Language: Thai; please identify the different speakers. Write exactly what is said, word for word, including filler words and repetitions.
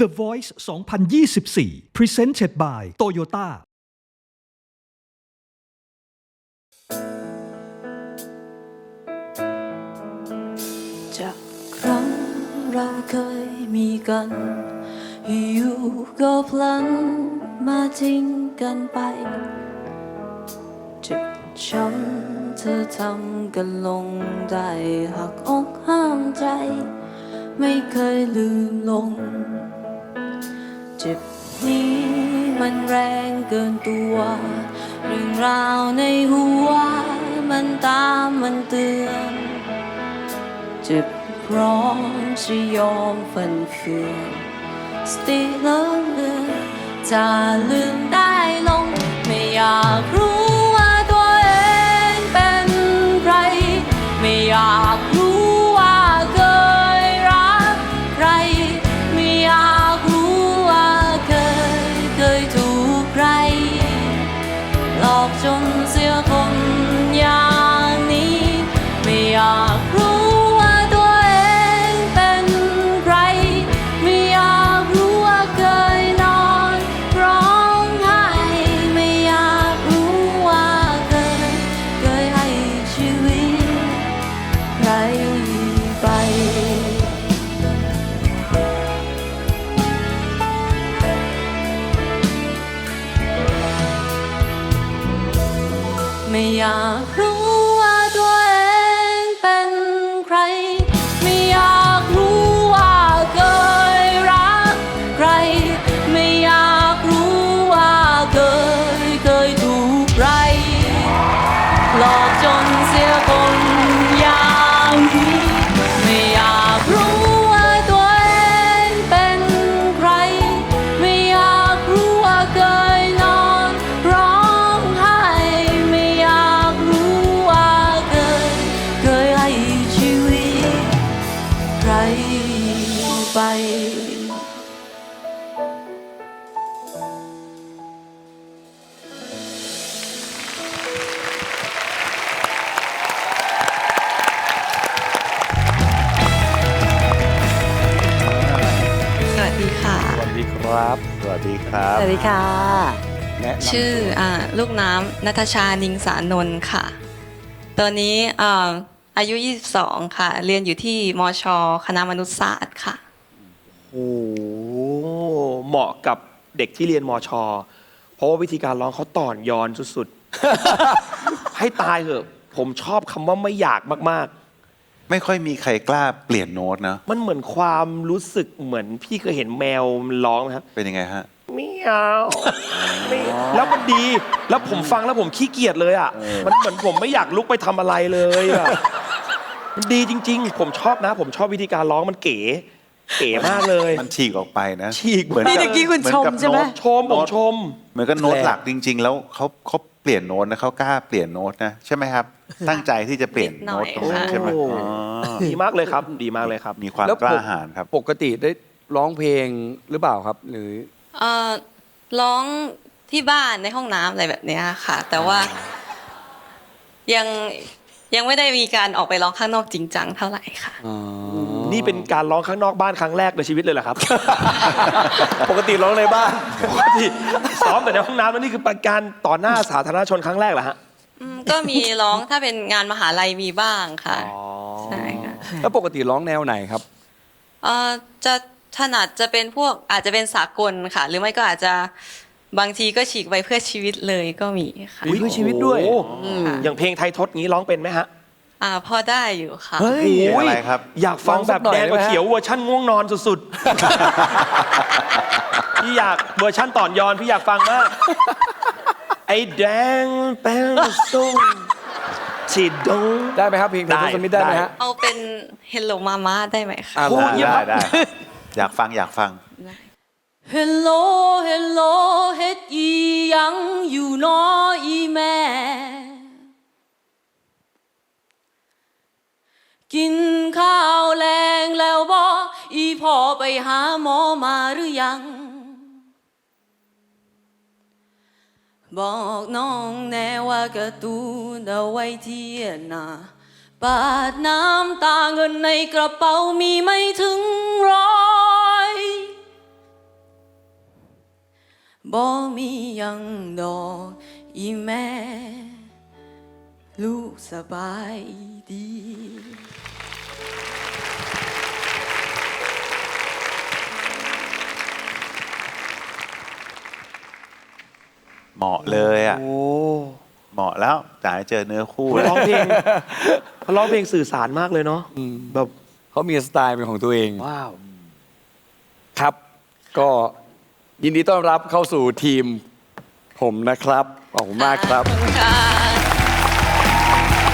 Speaker 1: The Voice สองพันยี่สิบสี่ Presented by Toyota
Speaker 2: จากครั้งเราเคยมีกันอยู่ก็พลันมาทิ้งกันไปเจ็บช้ำเธอทำกันลงได้หักอกห้ามใจไม่เคยลืมลงเจ็บนี้มันแรงเกินตัวเรื่องราวในหัวมันตามมันเตือนเจ็บพร้อมจะยอมฝันเฟือนสติเลิกเลือนจะลืมได้ลงไม่อยากรู้ว่าตัวเองเป็นใครไม่อยากรู้ว่าเคยรักใครไม่อยากรู้ว่าเคยเคยถูกใครหลอกจนเสียคนอย่างนี้ไม่อยากรู้ไม่อยากรู้ว่าตัวเองเป็นใครไม่อยากรู้ว่าเคยรักใครไม่อยากรู้ว่าเคยเคยถูกใครหลอกจนเสียคนอย่างนี้ไม่อยากรู้ว่าตัวเองเป็นใครไม่อยากรู้ว่าเคยนอนร้องไห้ไม่อยากรู้ว่าเคยเคยให้ชีวิตใครไป
Speaker 3: สวัสดีค่ะ
Speaker 4: สวัสดีครับ สวัสดีครับ
Speaker 3: สวัสดีค่ะ
Speaker 4: แนะนำ
Speaker 3: ชื่อ
Speaker 4: ตัว
Speaker 3: อ่าลูกน้ำณัฐชานิงสานนท์ค่ะ ตอนนี้อ่าอายุยี่สิบสองค่ะ เรียนอยู่ที่มช.คณะมนุษยศาสตร์ค่ะ
Speaker 4: โอ้โหเหมาะกับเด็กที่เรียนมช เพราะว่าวิธีการร้องเขาต่อนยอนสุดๆ ให้ตายเถอะ ผมชอบคำว่าไม่อยากมาก
Speaker 5: ไม่ค่อยมีใครกล้าเปลี่ยนโน้ตนะ
Speaker 4: ๆ มันเหมือนความรู้สึกเหมือนพี่เคยเห็นแมวมันร้องไหมครับ
Speaker 5: เป็นยังไงฮะ
Speaker 4: เมียวไม่แล้วมันดี แล้วผมฟังแล้วผมขี้เกียจเลยอ่ะ มันเหมือนผมไม่อยากลุกไปทำอะไรเลยอ่ะ มันดีจริง ๆ ผมชอบนะ ผมชอบวิธีการร้องมันเก๋ เก๋มากเลย
Speaker 5: มันฉีกออกไปนะ
Speaker 4: ฉีก
Speaker 5: เหมือน
Speaker 3: นี่เมื่อกี้คุณ
Speaker 5: เหมือน
Speaker 3: ชม
Speaker 5: กับ
Speaker 3: ใช่ไหม
Speaker 5: โน้ต
Speaker 4: ชมผมชม
Speaker 5: เหมือนกับโน้ต
Speaker 4: แปลก
Speaker 5: หลักจริง ๆ แล้วเขาเขาเปลี่ยนโน้ตนะเขากล้าเปลี่ยนโน้ตนะใช่ไหมครับ ตั้งใจที่จะเปลี่ยนโน้ตตรงนั้นใช่ไหม
Speaker 4: โอ้
Speaker 5: อ๋อ
Speaker 4: ดีมากเลยครับ ดีมากเลยครับ
Speaker 5: มีความ
Speaker 6: แล้ว
Speaker 5: กล้า
Speaker 6: ปก
Speaker 5: หาญครับ
Speaker 6: ปกติได้ร้องเพลงหรือเปล่าครับ หรือ
Speaker 3: เอ่อร้องที่บ้านในห้องน้ำอะไรแบบเนี้ยค่ะ แต่ว่ายังยังไม่ได้มีการออกไปร้องข้างนอกจริงจังเท่าไหร่ค่ะ
Speaker 4: นี่เป็นการร้องข้างนอกบ้านครั้งแรกในชีวิตเลยเหรอครับ
Speaker 6: ปกติร้องในบ้าน
Speaker 4: ปกติซ้อมแต่ในห้องน้ำแล้วนี่คือเป็นการต่อหน้าสาธารณชนครั้งแรกเหรอฮะ
Speaker 3: อืมก็มีร้องถ้าเป็นงานมหาลัยมีบ้างค่ะ
Speaker 4: อ๋อ
Speaker 3: ใช่ค่ะ
Speaker 6: แล้วปกติร้องแนวไหนครับ
Speaker 3: เอ่อจะถนัดจะเป็นพวกอาจจะเป็นสากลค่ะ หรือไม่ก็อาจจะบางทีก็ฉีกไปเพื่อชีวิตเลยก็มีค่ะ
Speaker 6: อุ๊ย เพื่อชีวิตด้วย
Speaker 4: โอ้โหอย่างเพลงไทยทศงี้ร้องเป็นไหมฮะ
Speaker 3: อ่าพอได้อยู่ค่ะ
Speaker 6: เฮ้ย
Speaker 5: เพลงอะไรครับ
Speaker 4: อยากฟังแบบแดงกว่า
Speaker 6: ลองสักหน่อยได้ไหมฮะ
Speaker 4: เขียวเวอร์ชั่นง่วงนอนสุดๆ พี่อยากเวอร์ชั่นต่อนยอนพี่อยากฟังมากไอ้แดงเป็นส้มที่ดง
Speaker 6: ได้ไหมครับเพลงไทยทศมิตรได้ไหมฮะ
Speaker 3: เอาเป็น Hello Mama ได้ไหมคะ
Speaker 6: อ่ะ
Speaker 4: โอ้
Speaker 6: ได้
Speaker 4: เยี่ยม
Speaker 5: ได้
Speaker 4: ครับ
Speaker 5: ได้อยากฟังอยากฟัง
Speaker 2: Hello Hello เฮ็ดอีหยังอยู่น้ออีแม่กินข้าวแรงแล้วบ่อีพ่อไปหาหมอมาหรือยังบอกน้องแน่ว่าการ์ตูนเอาไว้เที่ยหน้าปาดน้ำตาเงินในกระเป๋ามีไม่ถึงร้อยบ่มีหยังดอกอีแม่ ลูกสบายดี
Speaker 5: เหมาะเลยอ่ะ
Speaker 4: โอ้
Speaker 5: เหมาะแล้วจ่ายเจอเนื้อคู่
Speaker 4: เขา
Speaker 5: แล้ว
Speaker 4: ร้องเพลงเขาร้องเพลงสื่อสารมากเลยเนาะแบบ
Speaker 6: เขามีสไตล์เป็นของตัวเอง
Speaker 4: ว้าว
Speaker 6: ครับ ก็ยินดีต้อนรับเข้าสู่ทีมผมนะครับ ขอบคุณมากครับ
Speaker 3: ขอบคุณค่ะ